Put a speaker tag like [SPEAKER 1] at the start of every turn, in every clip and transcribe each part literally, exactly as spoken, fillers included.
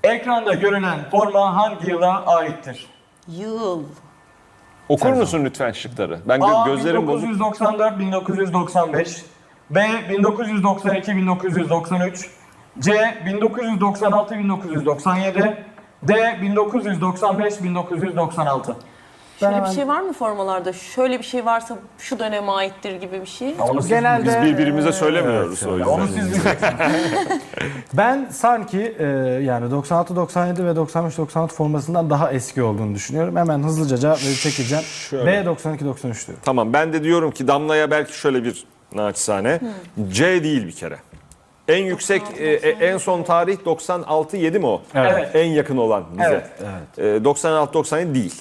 [SPEAKER 1] Ekranda görünen forma hangi yıla aittir?
[SPEAKER 2] Yıl.
[SPEAKER 3] Okur musun lütfen şıkları? Ben gö
[SPEAKER 1] A.
[SPEAKER 3] gözlerim bozuk.
[SPEAKER 1] bin dokuz yüz doksan dört bin dokuz yüz doksan beş, B. bin dokuz yüz doksan iki bin dokuz yüz doksan üç, C. bin dokuz yüz doksan altı bin dokuz yüz doksan yedi, D. bin dokuz yüz doksan beş bin dokuz yüz doksan altı.
[SPEAKER 2] Şöyle
[SPEAKER 4] Ben-
[SPEAKER 2] bir şey var mı formalarda? Şöyle bir şey varsa şu döneme aittir gibi bir şey.
[SPEAKER 1] Onu siz,
[SPEAKER 4] Genelde
[SPEAKER 3] Biz birbirimize söylemiyoruz
[SPEAKER 4] evet,
[SPEAKER 3] o yüzden.
[SPEAKER 1] onu siz bileceksiniz.
[SPEAKER 4] ben sanki e, yani doksan altı doksan yedi ve doksan beş doksan altı formasından daha eski olduğunu düşünüyorum. Hemen hızlıca cevap verip çekeceğim.
[SPEAKER 3] Şöyle.
[SPEAKER 4] B doksan iki doksan üç diyorum.
[SPEAKER 3] Tamam, ben de diyorum ki Damla'ya belki şöyle bir naçizane. C değil bir kere. En yüksek, e, e, en son tarih doksan altı yedi mi o?
[SPEAKER 4] Evet.
[SPEAKER 3] En yakın olan bize.
[SPEAKER 1] Evet.
[SPEAKER 4] Evet.
[SPEAKER 3] E, doksan altı doksan yedi değil.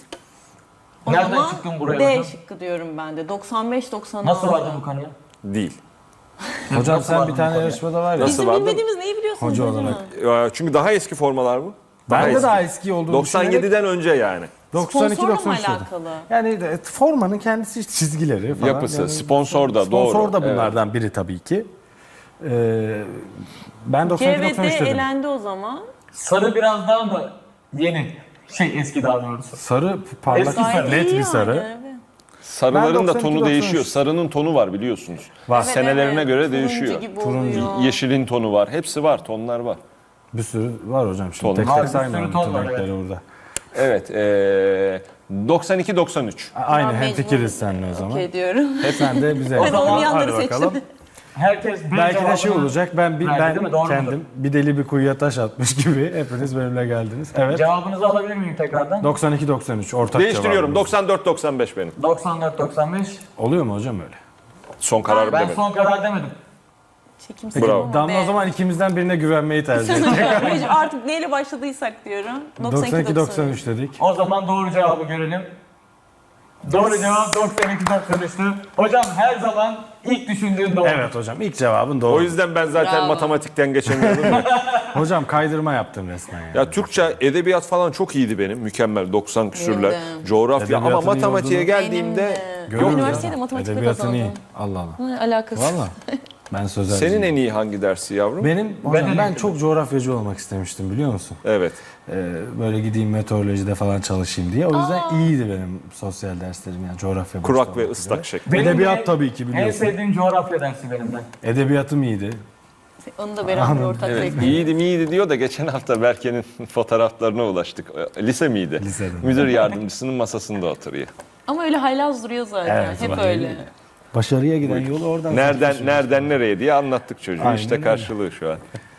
[SPEAKER 2] O
[SPEAKER 1] Nereden
[SPEAKER 2] zaman
[SPEAKER 1] çıktın buraya
[SPEAKER 2] D
[SPEAKER 1] hocam?
[SPEAKER 2] şıkkı diyorum ben de. doksan beş doksan altı.
[SPEAKER 1] Nasıl vardın bu konuya?
[SPEAKER 3] Değil.
[SPEAKER 4] Hocam
[SPEAKER 1] Nasıl
[SPEAKER 4] sen
[SPEAKER 1] vardın
[SPEAKER 4] bir
[SPEAKER 1] bu
[SPEAKER 4] tane
[SPEAKER 1] konuya?
[SPEAKER 4] yarışmada var ya.
[SPEAKER 3] Nasıl?
[SPEAKER 2] Bizim
[SPEAKER 3] vardı?
[SPEAKER 2] bilmediğimiz neyi biliyorsunuz
[SPEAKER 4] Hoca
[SPEAKER 2] hocam?
[SPEAKER 4] olarak.
[SPEAKER 3] E, Çünkü daha eski formalar bu.
[SPEAKER 4] Ben de
[SPEAKER 3] eski.
[SPEAKER 4] daha eski olduğunu
[SPEAKER 3] doksan yediden önce yani.
[SPEAKER 4] doksan iki
[SPEAKER 2] Sponsorla mı
[SPEAKER 4] doksan üç dedim.
[SPEAKER 2] alakalı?
[SPEAKER 4] Yani de, formanın kendisi çizgileri falan.
[SPEAKER 3] Yapısı,
[SPEAKER 4] Yani
[SPEAKER 3] sponsor da,
[SPEAKER 4] sponsor
[SPEAKER 3] doğru.
[SPEAKER 4] da bunlardan biri tabii ki. Ee, ben doksan
[SPEAKER 2] C
[SPEAKER 4] iki
[SPEAKER 2] ve D
[SPEAKER 4] doksan üç dedim.
[SPEAKER 2] elendi o zaman.
[SPEAKER 1] Sarı biraz daha mı yeni? Şey eski daha doğrusu.
[SPEAKER 4] Sarı parlak
[SPEAKER 1] Eski sarı.
[SPEAKER 4] net
[SPEAKER 2] iyi
[SPEAKER 4] bir sarı.
[SPEAKER 2] yani, evet.
[SPEAKER 3] Sarıların
[SPEAKER 4] Ben
[SPEAKER 3] da
[SPEAKER 4] doksan iki
[SPEAKER 3] tonu
[SPEAKER 4] doksan üç.
[SPEAKER 3] değişiyor. Sarının tonu var biliyorsunuz.
[SPEAKER 4] Var.
[SPEAKER 2] Evet,
[SPEAKER 3] Senelerine
[SPEAKER 2] evet.
[SPEAKER 3] göre
[SPEAKER 2] Turuncu
[SPEAKER 3] değişiyor.
[SPEAKER 2] gibi
[SPEAKER 4] Turuncu.
[SPEAKER 2] oluyor.
[SPEAKER 3] Yeşilin tonu var. Hepsi var. Tonlar var.
[SPEAKER 4] Bir sürü var hocam şimdi.
[SPEAKER 3] Ton.
[SPEAKER 4] Tek
[SPEAKER 1] Var, bir
[SPEAKER 4] tek
[SPEAKER 1] sürü
[SPEAKER 4] saymıyorum
[SPEAKER 1] ton
[SPEAKER 4] bütün
[SPEAKER 1] var,
[SPEAKER 4] renkleri
[SPEAKER 1] evet.
[SPEAKER 4] burada.
[SPEAKER 3] Evet. E, doksan iki doksan üç.
[SPEAKER 4] A- Aynı
[SPEAKER 2] Ben
[SPEAKER 4] hemfikiriz
[SPEAKER 2] mecbur
[SPEAKER 4] seninle o zaman.
[SPEAKER 2] Okey diyorum.
[SPEAKER 4] Sen de bize.
[SPEAKER 2] Ben
[SPEAKER 1] zaman
[SPEAKER 2] olmayanları
[SPEAKER 4] Hadi bakalım.
[SPEAKER 2] seçtim.
[SPEAKER 1] Herkes B
[SPEAKER 4] Belki de şey
[SPEAKER 1] cevabını-
[SPEAKER 4] olacak. Ben bir
[SPEAKER 1] verdi,
[SPEAKER 4] ben
[SPEAKER 1] değil mi? Doğru
[SPEAKER 4] kendim
[SPEAKER 1] mudur?
[SPEAKER 4] bir deli bir kuyuya taş atmış gibi hepiniz benimle geldiniz. Evet.
[SPEAKER 1] Cevabınızı alabilir miyim tekrardan?
[SPEAKER 4] doksan iki doksan üç ortak
[SPEAKER 3] Değiştiriyorum.
[SPEAKER 4] cevabımız.
[SPEAKER 3] doksan dört doksan beş benim.
[SPEAKER 1] doksan dört doksan beş.
[SPEAKER 4] Oluyor mu hocam öyle?
[SPEAKER 3] Son kararım
[SPEAKER 1] Ben
[SPEAKER 3] demedim.
[SPEAKER 1] son karar demedim.
[SPEAKER 2] Çekimsel
[SPEAKER 3] Bravo.
[SPEAKER 2] ama
[SPEAKER 4] Damla
[SPEAKER 2] B.
[SPEAKER 4] o zaman ikimizden birine güvenmeyi tercih etti.
[SPEAKER 2] Mecbur, artık neyle başladıysak diyorum.
[SPEAKER 4] doksan iki doksan üç dedik.
[SPEAKER 1] O zaman doğru cevabı görelim. Doğru cevap doksan iki doksan üçtü. Hocam her zaman ilk düşündüğün doğru.
[SPEAKER 4] Evet hocam ilk cevabın doğru.
[SPEAKER 3] O yüzden ben zaten
[SPEAKER 2] Bravo.
[SPEAKER 3] matematikten geçemiyordum. da.
[SPEAKER 4] Hocam kaydırma yaptım resmen yani.
[SPEAKER 3] Ya Türkçe, edebiyat falan çok iyiydi benim. Mükemmel doksan küsürler.
[SPEAKER 2] Benim de.
[SPEAKER 3] Coğrafya ama
[SPEAKER 4] Edebiyatın iyi
[SPEAKER 3] matematiğe
[SPEAKER 4] olduğunu-
[SPEAKER 3] geldiğimde
[SPEAKER 2] Benim de.
[SPEAKER 4] Görüyorum ya.
[SPEAKER 2] Üniversitede matematikte
[SPEAKER 4] Edebiyatın iyi.
[SPEAKER 2] kazandım.
[SPEAKER 4] Allah Allah.
[SPEAKER 2] Ne alakası?
[SPEAKER 4] Valla. Ben sözelciyim.
[SPEAKER 3] senin en iyi hangi dersi yavrum?
[SPEAKER 4] Benim hocam
[SPEAKER 1] Ben de
[SPEAKER 4] ben
[SPEAKER 1] değilim.
[SPEAKER 4] çok coğrafyacı olmak istemiştim biliyor musun?
[SPEAKER 3] Evet.
[SPEAKER 4] Ee, böyle gideyim meteorolojide falan çalışayım diye. O yüzden iyiydi benim sosyal derslerim yani coğrafya. başta
[SPEAKER 3] Kurak ve
[SPEAKER 4] olmak
[SPEAKER 3] ıslak
[SPEAKER 4] üzere.
[SPEAKER 3] şekli.
[SPEAKER 1] Benim
[SPEAKER 4] Edebiyat
[SPEAKER 1] de
[SPEAKER 4] tabii ki
[SPEAKER 1] En
[SPEAKER 4] biliyorsun.
[SPEAKER 1] sevdiğim coğrafya dersi benim de.
[SPEAKER 4] Edebiyatım iyiydi.
[SPEAKER 2] Onu da beraber ortak
[SPEAKER 3] Evet,
[SPEAKER 2] zevkle.
[SPEAKER 3] iyiydi miydi diyor da geçen hafta Berke'nin fotoğraflarına ulaştık. E, Lise miydi?
[SPEAKER 4] Lisede.
[SPEAKER 3] Müdür yardımcısının masasında oturuyor.
[SPEAKER 2] Ama öyle haylaz duruyor zaten.
[SPEAKER 4] Evet,
[SPEAKER 2] Hep
[SPEAKER 4] zaten.
[SPEAKER 2] öyle.
[SPEAKER 4] Başarıya giden yolu oradan
[SPEAKER 3] Nereden
[SPEAKER 4] seçmişim.
[SPEAKER 3] nereden nereye diye anlattık çocuğu.
[SPEAKER 4] Aynen
[SPEAKER 3] işte
[SPEAKER 4] öyle.
[SPEAKER 3] karşılığı şu an.